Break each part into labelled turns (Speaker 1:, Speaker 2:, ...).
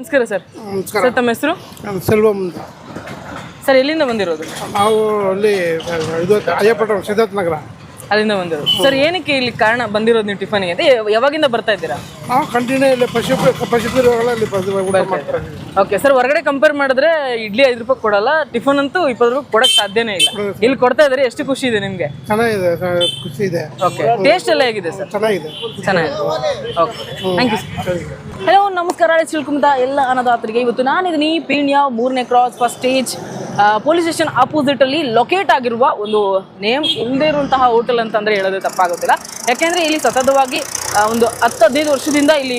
Speaker 1: ನಮಸ್ಕಾರ ಸರ್.
Speaker 2: ನಮಸ್ಕಾರ.
Speaker 1: ಸರ್, ತಮ್ಮ ಹೆಸರು?
Speaker 2: ಸೆಲ್ವಂ ಅಂತ.
Speaker 1: ಸರ್, ಎಲ್ಲಿಂದ ಬಂದಿರೋದು?
Speaker 2: ನಾವು ಅಲ್ಲಿ ಇದು ಅಯ್ಯಪಟ್ಟಣ ಸಿದ್ಧಾರ್ಥ ನಗರ
Speaker 1: ಅಲ್ಲಿಂದ ಬಂದಿರೋದು. ಸರ್, ಏನಕ್ಕೆ ಇಲ್ಲಿ ಕಾರಣ ಬಂದಿರೋದು ನೀವು ಟಿಫನ್ಗೆ ಅಂತ? ಯಾವಾಗಿಂದ ಬರ್ತಾ ಇದ್ದೀರಾ?
Speaker 2: ನಾವು ಕಂಟಿನ್ಯೂ ಇಲ್ಲಿ ಪಶುಪತಿಗಳಲ್ಲಿ ಊಟ ಮಾಡ್ತಾರೆ.
Speaker 1: ಓಕೆ ಸರ್, ಹೊರಗಡೆ ಕಂಪೇರ್ ಮಾಡಿದ್ರೆ ಇಡ್ಲಿ 5 ರೂಪಾಯಿ ಕೊಡಲ್ಲ, ಟಿಫನ್ ಅಂತೂ 20 ರೂಪಾಯಿ ಕೊಡಕ್ಕೆ ಸಾಧ್ಯನೇ ಇಲ್ಲ. ಇಲ್ಲಿ ಕೊಡ್ತಾ ಇದ್ದಾರೆ, ಎಷ್ಟು ಖುಷಿ ಇದೆ ನಿಮಗೆ?
Speaker 2: ಚೆನ್ನಾಗಿದೆ, ಖುಷಿ ಇದೆ.
Speaker 1: ಓಕೆ, ಟೇಸ್ಟ್ ಎಲ್ಲ ಹೇಗಿದೆ ಸರ್?
Speaker 2: ಚೆನ್ನಾಗಿದೆ.
Speaker 1: Okay, thank you sir. Hello, ನಮಸ್ಕಾರ. ತಿಳ್ಕೊಂಡ ಎಲ್ಲ ಅನ್ನದಾತರಿಗೆ ಇವತ್ತು ನಾನಿದ್ದೀನಿ ಪೀಣ್ಯ 3ನೇ cross first stage police station opposite ಅಲ್ಲಿ ಲೊಕೇಟ್ ಆಗಿರುವ ಒಂದು ನೇಮ್ ಇಲ್ಲದೆ ಇರುವಂತಹ ಹೋಟೆಲ್ ಅಂತಂದ್ರೆ ಹೇಳೋದು ತಪ್ಪಾಗೋದಿಲ್ಲ. ಯಾಕೆಂದ್ರೆ ಇಲ್ಲಿ ಸತತವಾಗಿ ಒಂದು 10-15 ವರ್ಷದಿಂದ ಇಲ್ಲಿ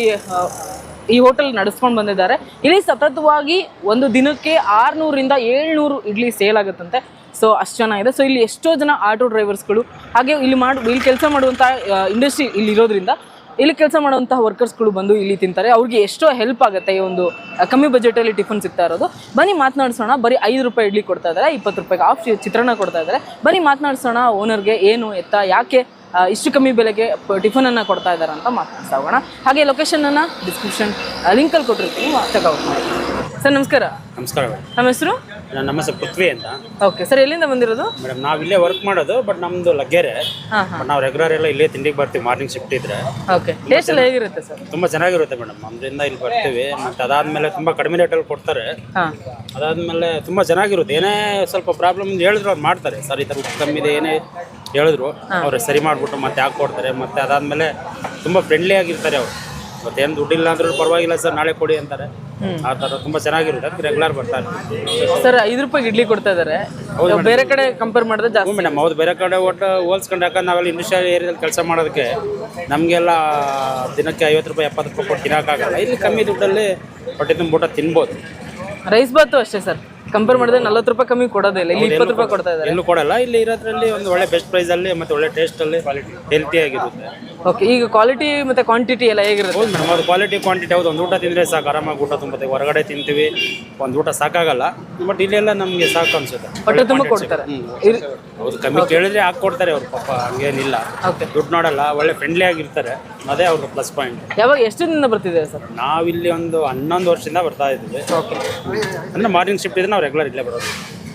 Speaker 1: ಈ ಹೋಟೆಲ್ ನಡೆಸ್ಕೊಂಡು ಬಂದಿದ್ದಾರೆ. ಇಲ್ಲಿ ಸತತವಾಗಿ ಒಂದು ದಿನಕ್ಕೆ 600ರಿಂದ 700 ಇಡ್ಲಿ ಸೇಲ್ ಆಗುತ್ತಂತೆ. ಸೊ ಅಷ್ಟು ಚೆನ್ನಾಗಿದೆ. ಸೊ ಇಲ್ಲಿ ಎಷ್ಟೋ ಜನ ಆಟೋ ಡ್ರೈವರ್ಸ್ಗಳು ಹಾಗೆ ಇಲ್ಲಿ ಕೆಲಸ ಮಾಡುವಂಥ ಇಂಡಸ್ಟ್ರಿ ಇಲ್ಲಿ ಇರೋದ್ರಿಂದ ಇಲ್ಲಿ ಕೆಲಸ ಮಾಡುವಂತಹ ವರ್ಕರ್ಸ್ಗಳು ಬಂದು ಇಲ್ಲಿ ತಿಂತಾರೆ. ಅವ್ರಿಗೆ ಎಷ್ಟೋ ಹೆಲ್ಪ್ ಆಗುತ್ತೆ ಈ ಒಂದು ಕಮ್ಮಿ ಬಜೆಟಲ್ಲಿ ಟಿಫನ್ ಸಿಗ್ತಾ ಇರೋದು. ಬನ್ನಿ ಮಾತನಾಡಿಸೋಣ. ಬರೀ 5 ರೂಪಾಯಿ ಇಡ್ಲಿ ಕೊಡ್ತಾ ಇದ್ದಾರೆ, 20 ರೂಪಾಯಿಗೆ ಹಾಫ್ ಚಿತ್ರಾನ್ನ ಕೊಡ್ತಾ ಇದ್ದಾರೆ. ಬನ್ನಿ ಮಾತನಾಡಿಸೋಣ ಓನರ್ಗೆ, ಏನು ಎತ್ತ ಯಾಕೆ ಇಷ್ಟು ಕಮ್ಮಿ ಬೆಲೆಗೆ ಟಿಫನನ್ನು ಕೊಡ್ತಾ ಇದ್ದಾರೆ ಅಂತ ಮಾತನಾಡ್ತಾ ಹೋಗೋಣ. ಹಾಗೆ ಲೊಕೇಶನನ್ನು ಡಿಸ್ಕ್ರಿಪ್ಷನ್ ಲಿಂಕಲ್ಲಿ ಕೊಟ್ಟಿರ್ತೀನಿ, ಚೆಕ್ಔಟ್ ಮಾಡಿ. ಸರ್, ನಮಸ್ಕಾರ.
Speaker 3: ನಮಸ್ಕಾರ.
Speaker 1: ನಮ್ಮ ಹೆಸರು?
Speaker 3: ನಮ್ಮ ಹೆಸರು ಪೃಥ್ವಿ ಅಂತ.
Speaker 1: ಓಕೆ ಸರ್, ಎಲ್ಲಿಂದ ಬಂದಿರೋದು?
Speaker 3: ಮೇಡಮ್, ನಾವು ಇಲ್ಲೇ ವರ್ಕ್ ಮಾಡೋದು, ಬಟ್ ನಮ್ಮದು ಲಗ್ಗೆರೆ. ನಾವು ರೆಗ್ಯುಲರ್ ಎಲ್ಲ ಇಲ್ಲೇ ತಿಂಡಿಗೆ ಬರ್ತೀವಿ ಮಾರ್ನಿಂಗ್ ಶಿಫ್ಟ್ ಇದ್ರೆ.
Speaker 1: ಓಕೆ, ಟೇಸ್ಟ್ ಎಲ್ಲ ಹೇಗಿರುತ್ತೆ ಸರ್?
Speaker 3: ತುಂಬ ಚೆನ್ನಾಗಿರುತ್ತೆ ಮೇಡಮ್. ನಮ್ದ್ರಿಂದ ಇಲ್ಲಿ ಬರ್ತೀವಿ, ಮತ್ತು ಅದಾದಮೇಲೆ ತುಂಬ ಕಡಿಮೆ ರೇಟಲ್ಲಿ ಕೊಡ್ತಾರೆ. ಅದಾದಮೇಲೆ ತುಂಬ ಚೆನ್ನಾಗಿರುತ್ತೆ. ಏನೇ ಸ್ವಲ್ಪ ಪ್ರಾಬ್ಲಮ್ ಹೇಳಿದ್ರು ಅವ್ರು ಮಾಡ್ತಾರೆ. ಸರ್, ಈ ಥರ ಉಪ್ಪು ಕಮ್ಮಿ ಇದೆ ಏನೇ ಹೇಳಿದ್ರು ಅವ್ರು ಸರಿ ಮಾಡಿಬಿಟ್ಟು ಮತ್ತೆ ಹಾಕಿ ಕೊಡ್ತಾರೆ. ಮತ್ತು ಅದಾದಮೇಲೆ ತುಂಬ ಫ್ರೆಂಡ್ಲಿ ಆಗಿರ್ತಾರೆ ಅವರು. ಮತ್ತೇನು ದುಡ್ಡಿಲ್ಲ ಅಂದ್ರೂ ಪರವಾಗಿಲ್ಲ ಸರ್, ನಾಳೆ ಕೊಡಿ ಅಂತಾರೆ. ಆ ಥರ ತುಂಬ ಚೆನ್ನಾಗಿರುತ್ತೆ. ಅದಕ್ಕೆ ರೆಗ್ಯುಲರ್ ಬರ್ತಾರೆ.
Speaker 1: ಸರ್, 5 ರೂಪಾಯಿಗೆ ಇಡ್ಲಿ ಕೊಡ್ತಾ ಇದ್ದಾರೆ. ಬೇರೆ ಕಡೆ ಕಂಪೇರ್ ಮಾಡಿದ್ರೆ ಜಾಸ್ತಿ
Speaker 3: ಮೇಡಮ್. ಹೌದು, ಬೇರೆ ಕಡೆ ಒಟ್ಟು ಹೋಲ್ಸ್ಕೊಂಡು, ಯಾಕಂದ್ರೆ ನಾವೆಲ್ಲ ಇಂಡಸ್ಟ್ರಿಯಲ್ ಏರಿಯಾದಲ್ಲಿ ಕೆಲಸ ಮಾಡೋದಕ್ಕೆ ನಮಗೆಲ್ಲ ದಿನಕ್ಕೆ 50 ರೂಪಾಯಿ 70 ರೂಪಾಯಿ ಕೊಟ್ಟು ತಿನ್ನೋಕ್ಕಾಗಲ್ಲ. ಇಲ್ಲಿ ಕಮ್ಮಿ ದುಡ್ಡಲ್ಲಿ ಹೊಟ್ಟೆ ತುಂಬ ಊಟ ತಿನ್ಬೋದು.
Speaker 1: ರೈಸ್ ಬಾತು ಅಷ್ಟೇ ಸರ್, ಕಂಪೇರ್ ಮಾಡಿದ್ರೆ 40 ರೂಪಾಯಿ ಕಮ್ಮಿ ಕೊಡೋದೇ ಇಲ್ಲ. ಇಲ್ಲಿ 20 ರೂಪಾಯಿ ಕೊಡ್ತಾ ಇದ್ದಾರೆ.
Speaker 3: ಎಲ್ಲೂ ಕೊಡಲ್ಲ. ಇಲ್ಲಿ ಇರೋದ್ರಲ್ಲಿ ಒಂದು ಒಳ್ಳೆ ಬೆಸ್ಟ್ ಪ್ರೈಸಲ್ಲಿ ಮತ್ತು ಒಳ್ಳೆ ಟೇಸ್ಟಲ್ಲಿ ಹೆಲ್ತಿ ಆಗಿರುತ್ತೆ.
Speaker 1: ಓಕೆ, ಈಗ ಕ್ವಾಲಿಟಿ ಮತ್ತು ಕ್ವಾಂಟಿಟಿ ಎಲ್ಲ ಹೇಗಿರುತ್ತೆ?
Speaker 3: ಹೌದು ಮೇಡಮ್, ಅದು ಕ್ವಾಲಿಟಿ ಕ್ವಾಂಟಿಟಿ. ಹೌದು, ಒಂದು ಊಟ ತಿಂದರೆ ಸಾಕು, ಆರಾಮಾಗಿ ಊಟ ತುಂಬುತ್ತೆ. ಹೊರಗಡೆ ತಿಂತೀವಿ, ಒಂದು ಊಟ ಸಾಕಾಗಲ್ಲ. ಬಟ್ ಇಲ್ಲೆಲ್ಲ ನಮಗೆ ಸಾಕು ಅನ್ಸುತ್ತೆ.
Speaker 1: ಹೊಟ್ಟೆ ತುಂಬ ಕೊಡ್ತಾರೆ.
Speaker 3: ಹೌದು, ಕಮ್ಮಿ ಕೇಳಿದ್ರೆ ಹಾಕ್ಕೊಡ್ತಾರೆ ಅವ್ರು. ಪಾಪ ಹಂಗೇನಿಲ್ಲ, ದುಡ್ಡು ನೋಡಲ್ಲ, ಒಳ್ಳೆ ಫ್ರೆಂಡ್ಲಿ ಆಗಿರ್ತಾರೆ. ಅದೇ ಅವ್ರ ಪ್ಲಸ್ ಪಾಯಿಂಟ್.
Speaker 1: ಯಾವಾಗ ಎಷ್ಟು ದಿನ ಬರ್ತಿದೆ ಸರ್?
Speaker 3: ನಾವಿಲ್ಲಿ ಒಂದು 11 ವರ್ಷದಿಂದ ಬರ್ತಾ ಇದ್ದೀವಿ. ಓಕೆ, ಅಂದರೆ ಮಾರ್ನಿಂಗ್ ಶಿಫ್ಟ್ ಇದ್ರೆ ನಾವು ರೆಗ್ಯುಲರ್ ಇಲ್ಲೇ ಬರೋದು.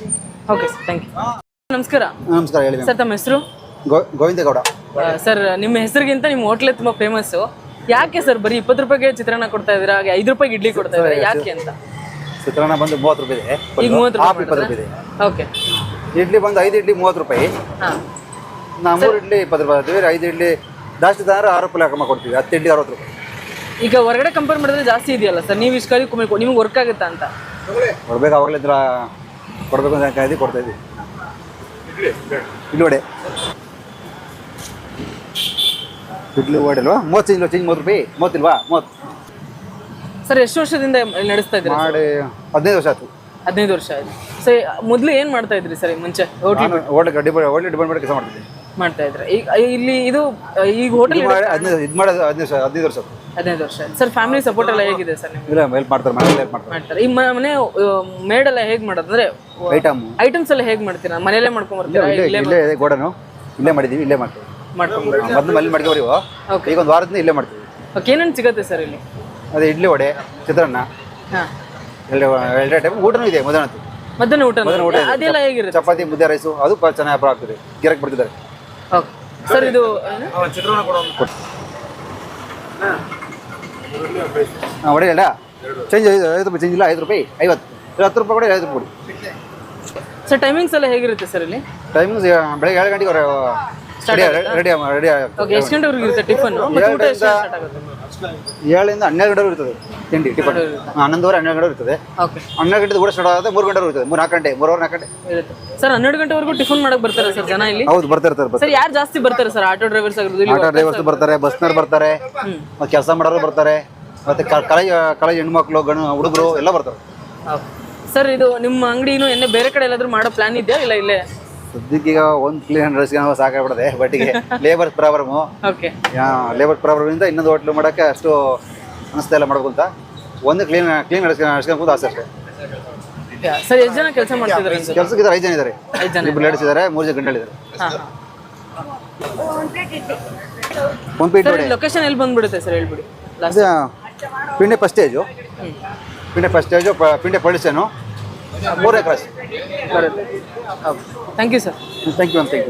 Speaker 1: Okay sir, thank you. ನಮಸ್ಕಾರ.
Speaker 4: ನಮಸ್ಕಾರ. ಹೇಳಿ
Speaker 1: ಸರ್, ತಮ್ಮ ಹೆಸರು?
Speaker 4: ಗೋವಿಂದೇಗೌಡ.
Speaker 1: ಸರ್, ನಿಮ್ಮ ಹೆಸರಿಗಿಂತ ನಿಮ್ಮ ಹೋಟ್ಲೇ ತುಂಬ ಫೇಮಸ್ಸು. ಯಾಕೆ ಸರ್ ಬರೀ 20 ರೂಪಾಯಿಗೆ ಚಿತ್ರಾನ್ನ ಕೊಡ್ತಾ ಇದ್ದೀರಾ, ಹಾಗೆ 5 ರೂಪಾಯಿಗೆ ಇಡ್ಲಿ ಕೊಡ್ತಾ ಇದ್ದಾರೆ, ಯಾಕೆ ಅಂತ?
Speaker 4: ಚಿತ್ರಾನ್ನ ಬಂದು 30 ರೂಪಾಯಿ ಇದೆ,
Speaker 1: ಈಗ 30
Speaker 4: ರೂಪಾಯಿ ಇದೆ.
Speaker 1: ಓಕೆ.
Speaker 4: ಇಡ್ಲಿ ಬಂದು 5 ಇಡ್ಲಿ 30 ರೂಪಾಯಿ. ನಾವು 3 ಇಡ್ಲಿ 20 ರೂಪಾಯಿ ಹಾಕ್ತೀವಿ. 5 ಇಡ್ಲಿ ಜಾಸ್ತಿ ತಂದ್ರೆ 6 ರೂಪಾಯಿ ಹಾಕಮ್ಮ ಕೊಡ್ತೀವಿ. 10 ಇಡ್ಲಿ 60 ರೂಪಾಯಿ.
Speaker 1: ಈಗ ಹೊರಗಡೆ ಕಂಪೇರ್ ಮಾಡಿದ್ರೆ ಜಾಸ್ತಿ ಇದೆಯಲ್ಲ ಸರ್, ನೀವು ಇಷ್ಟು ಕಲಿ ನಿಮ್ಗೆ ವರ್ಕ್ ಆಗುತ್ತಾ ಅಂತ?
Speaker 4: ಕೊಡ್ಬೇಕು, ಅವಾಗಲಿದ್ರ ಕೊಡಬೇಕು ಅಂತ ಕಾಯ್ದು ಕೊಡ್ತಾ ಇದ್ದೀವಿ. ಇಡ್ಲಿ ವಡೆ ಅಲ್ವಾ? 30 ಇಲ್ಲ, ಚೇಂಜ್ 30 ರೂಪಾಯಿ. 30 ಇಲ್ವಾ? 30.
Speaker 1: ಸರ್, ಎಷ್ಟು ವರ್ಷದಿಂದ ನಡೆಸ್ತಾ ಇದ್ದೀರಾ?
Speaker 4: ಮಾಡಿ 15 ವರ್ಷ ಆಯ್ತು.
Speaker 1: 15 ವರ್ಷ ಆಯ್ತು. ಸರ್, ಮೊದಲು ಏನು ಮಾಡ್ತಾ ಇದ್ರಿ ಸರ್ ಮುಂಚೆ?
Speaker 4: ಹೋಟ್ಲ್ ಡಿಪಾರ್ಟ್ಮೆಂಟ್ ಕೆಲಸ ಮಾಡ್ತಿದ್ದೆ.
Speaker 1: ಮಾಡ್ತಾ ಇದ್ರೆ ಈಗ ಇಲ್ಲಿ ಇದು ಈಗ ಹೋಟೆಲ್
Speaker 4: 15 ವರ್ಷ.
Speaker 1: 15 ವರ್ಷ ಆಯ್ತು. ಸರ್, ಫ್ಯಾಮಿಲಿ ಸಪೋರ್ಟ್ ಎಲ್ಲ ಹೇಗಿದೆ ಸರ್ ನಿಮ್ಗೆ?
Speaker 4: ಇಲ್ಲ, ಹೆಲ್ಪ್ ಮಾಡ್ತಾರೆ, ಮನೇಲಿ ಹೆಲ್ಪ್ ಮಾಡ್ತಾರೆ.
Speaker 1: ಈ ಮನೆ ಮೇಡ್ ಎಲ್ಲ ಹೇಗೆ ಮಾಡೋದು ಅಂದ್ರೆ ಐಟಮ್ಸ್ ಎಲ್ಲ ಹೇಗೆ ಮಾಡ್ತೀರಾ? ಮನೆಯಲ್ಲೇ ಮಾಡ್ಕೊಂಡ್ ಬರ್ತೀರಾ?
Speaker 4: ಇಲ್ಲೇ ಗೋಡನು ಇಲ್ಲೇ ಮಾಡಿದೀವಿ, ಇಲ್ಲೇ ಮಾಡ್ತೀವಿ. ಮೊದಲು ಮಲ್ಲಿ ಮಾಡ್ಕೊಬರಿ. ಈಗ ಒಂದು ವಾರದಿಂದ ಇಲ್ಲೇ ಮಾಡ್ತೀವಿ.
Speaker 1: ಓಕೆ, ಏನೇನು ಸಿಗುತ್ತೆ ಸರ್ ಇಲ್ಲಿ?
Speaker 4: ಅದೇ ಇಡ್ಲಿ, ವಡೆ, ಚಿತ್ರಾನ್ನ, ಎರಡೇ ಟೈಮ್ ಊಟನೂ ಇದೆ.
Speaker 1: ಮಧ್ಯಾಹ್ನ ಊಟ ಅದೆಲ್ಲ ಹೇಗಿರುತ್ತೆ?
Speaker 4: ಚಪಾತಿ, ಮುದ್ದೆ, ರೈಸು ಅದು ಚೆನ್ನಾಗಿ ವ್ಯಾಪಾರ ಆಗ್ತದೆ. ಗಿರಾಕಿ ಬರ್ತಿದ್ದಾರೆ.
Speaker 1: ಓಕೆ ಸರ್, ಇದು
Speaker 4: ವಡೆ ಇಲ್ಲ, ಚೇಂಜ್ 5 ರೂಪಾಯಿ. ಚೇಂಜ್ ಇಲ್ಲ, 5 ರೂಪಾಯಿ 50. 10 ರೂಪಾಯಿ ಕೊಡಿ, 50 ರೂಪಾಯಿ ಕೊಡಿ.
Speaker 1: ಸರ್, ಟೈಮಿಂಗ್ಸ್ ಎಲ್ಲ ಹೇಗಿರುತ್ತೆ ಸರ್ ಇಲ್ಲಿ?
Speaker 4: ಟೈಮಿಂಗ್ಸ್ ಬೆಳಗ್ಗೆ 7 ಗಂಟೆಗೆ ರೆಡಿ
Speaker 1: ಓಕೆ, ಎಷ್ಟು ಗಂಟೆವರೆಗೂ ಇರುತ್ತೆ ಟಿಫನ್?
Speaker 4: 7ರಿಂದ 12 ಗಂಟೆವರೆಗೂ ಇರ್ತದೆ ತಿಂಡಿ. ಟಿಫನ್ 11:30 12 ಗಂಟೆ ಇರ್ತದೆ.
Speaker 1: ಓಕೆ,
Speaker 4: 12 ಗಂಟೆ ಕೂಡ ಸ್ಟಾರ್ಟ್ ಆಗುತ್ತೆ. 3 ಗಂಟೆವರೆಗೂ ಇರ್ತದೆ. 4 ಗಂಟೆ 4 ಗಂಟೆ
Speaker 1: ಇರುತ್ತೆ. ಸರ್, 12 ಗಂಟೆವರೆಗೂ ಟಿಫನ್ ಮಾಡಕ್ಕೆ ಬರ್ತಾರೆ ಸರ್ ಜನ ಇಲ್ಲಿ?
Speaker 4: ಹೌದು, ಬರ್ತಾ ಇರ್ತಾರೆ.
Speaker 1: ಸರ್, ಯಾರು ಜಾಸ್ತಿ ಬರ್ತಾರೆ ಸರ್? ಆಟೋ ಡ್ರೈವರ್ಸ್ ಆಗಿರೋದು?
Speaker 4: ಆಟೋ ಡ್ರೈವರ್ಸ್ ಬರ್ತಾರೆ, ಬಸ್ನವ್ರು ಬರ್ತಾರೆ, ಮತ್ತೆ ಕೆಲಸ ಮಾಡೋರು ಬರ್ತಾರೆ, ಮತ್ತೆ ಕಾಲೇಜ್ ಹೆಣ್ಮಕ್ಳು, ಹುಡುಗರು ಎಲ್ಲ ಬರ್ತಾರೆ.
Speaker 1: ಸರ್, ಇದು ನಿಮ್ಮ ಅಂಗಡಿ ಇನ್ನೂ ಬೇರೆ ಕಡೆ ಎಲ್ಲಾದ್ರೂ ಮಾಡೋ ಪ್ಲಾನ್ ಇದೆಯಾ ಇಲ್ಲ ಇಲ್ಲೇ?
Speaker 4: ಸದ್ಯಕ್ಕೆ ಈಗ ಒಂದು ಕ್ಲೀನ್ ರೈಸ್ಗೆ ಸಾಕಾಗ್ಬಿಡದೆ. ಬಟ್ ಈಗ ಲೇಬರ್ ಪ್ರಾಬ್ಲಮು.
Speaker 1: ಓಕೆ,
Speaker 4: ಲೇಬರ್ ಪ್ರಾಬ್ಲಮಿಂದ ಇನ್ನೊಂದು ಹೋಟ್ಲು ಮಾಡೋಕ್ಕೆ ಅಷ್ಟು ಅನಿಸ್ತಾ ಇಲ್ಲ ಮಾಡಬೇಕು ಅಂತ. ಒಂದು ಕ್ಲೀನ್ ನಡ್ಸ್ಕೊಂಡು ಆಸೆ ಅಷ್ಟೇ.
Speaker 1: ಸರ್, ಎಷ್ಟು ಜನ ಕೆಲಸ ಮಾಡ್ತಿದ್ದಾರೆ?
Speaker 4: ಕೆಲಸಕ್ಕೆ 5 ಜನ ಇದ್ದಾರೆ. 2 ಲೇಡೀಸ್ ಇದ್ದಾರೆ, 3 ಜನ ಗಂಟಲಿದ್ದಾರೆ.
Speaker 1: ಲೊಕೇಶನ್ ಎಲ್ಲಿ ಬಂದ್ಬಿಡುತ್ತೆ ಸರ್, ಹೇಳ್ಬಿಡಿ.
Speaker 4: Peenya first stage. Peenya first stage Peenya ಪೊಳಿಸೇನು 3ನೇ ಕ್ರಾಸ್.
Speaker 1: ಬರುತ್ತೆ. Okay, thank you sir.
Speaker 4: Thank you thank you.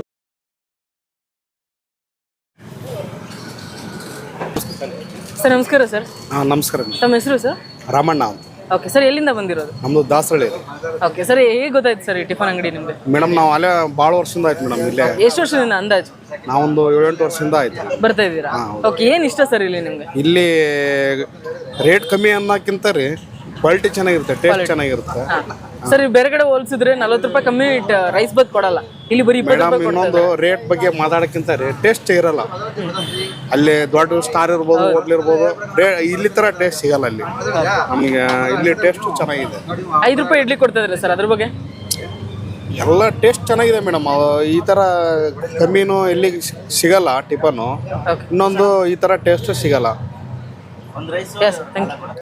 Speaker 1: Sir ನಮಸ್ಕಾರ ಸರ್.
Speaker 2: ನಮಸ್ಕಾರ.
Speaker 1: ತಮ್ಮ ಹೆಸರು ಸರ್?
Speaker 2: ರಾಮಣ್ಣ ಅಂತ.
Speaker 1: ಓಕೆ ಸರ್, ಎಲ್ಲಿಂದ ಬಂದಿರೋದು?
Speaker 2: ನಮ್ಮದು ದಾಸರಳ್ಳಿ.
Speaker 1: ಓಕೆ ಸರ್, ಹೇಗೆ ಗೊತ್ತಾಯ್ತು ಸರ್ ಈ ಟಿಫನ್ ಅಂಗಡಿ ನಿಮಗೆ?
Speaker 2: ಮೇಡಮ್ ನಾವು ಅಲ್ಲೇ ಭಾಳ ವರ್ಷದಿಂದ ಆಯ್ತು ಮೇಡಮ್. ಇಲ್ಲೇ
Speaker 1: ಎಷ್ಟು ವರ್ಷದಿಂದ ಅಂದಾಜು
Speaker 2: ನಾವೊಂದು 7-8 ವರ್ಷದಿಂದ ಆಯ್ತು
Speaker 1: ಬರ್ತಾ ಇದ್ದೀರಾ? ಓಕೆ, ಏನು ಇಷ್ಟ ಸರ್ ಇಲ್ಲಿ ನಿಮಗೆ?
Speaker 2: ಇಲ್ಲಿ ರೇಟ್ ಕಮ್ಮಿ ಅನ್ನೋಕ್ಕಿಂತ ರೀ ಕ್ವಾಲಿಟಿ ಚೆನ್ನಾಗಿರುತ್ತೆ, ಟೇಸ್ಟ್ ಚೆನ್ನಾಗಿರುತ್ತೆ.
Speaker 1: ಸರ್ ಬೇರೆ ಕಡೆ ಹೋಲಿಸಿದ್ರೆ 40 ರೂಪಾಯಿ ಕಮ್ಮಿ ರೈಸ್ ಬತ್ ಕೊಡಲ್ಲ, ಇಲ್ಲಿ ಬರೀ 20
Speaker 2: ಮೇಡಮ್
Speaker 1: ರೂಪಾಯಿ
Speaker 2: ಇನ್ನೊಂದು ರೇಟ್ ಬಗ್ಗೆ ಮಾತಾಡೋಕ್ಕಿಂತ ರೀ ಟೇಸ್ಟ್ ಇರಲ್ಲ. ಅಲ್ಲಿ ದೊಡ್ಡ ಸ್ಟಾರ್ ಇರ್ಬೋದು, ಹೋಟ್ಲ್ ಇರ್ಬೋದು, ಇಲ್ಲಿ ಥರ ಟೇಸ್ಟ್ ಸಿಗಲ್ಲ ಅಲ್ಲಿ. ನಮಗೆ ಇಲ್ಲಿ ಟೇಸ್ಟು ಚೆನ್ನಾಗಿದೆ.
Speaker 1: 5 ರೂಪಾಯಿ ಇಡ್ಲಿ ಕೊಡ್ತಾ ಇದ್ದಾರೆ ಸರ್, ಅದ್ರ ಬಗ್ಗೆ?
Speaker 2: ಎಲ್ಲ ಟೇಸ್ಟ್ ಚೆನ್ನಾಗಿದೆ ಮೇಡಮ್. ಈ ಥರ ಕಮ್ಮಿನೂ ಎಲ್ಲಿ ಸಿಗಲ್ಲ ಟಿಫನ್ನು. ಇನ್ನೊಂದು ಈ ಥರ ಟೇಸ್ಟು ಸಿಗಲ್ಲ.
Speaker 1: Yes, thank you.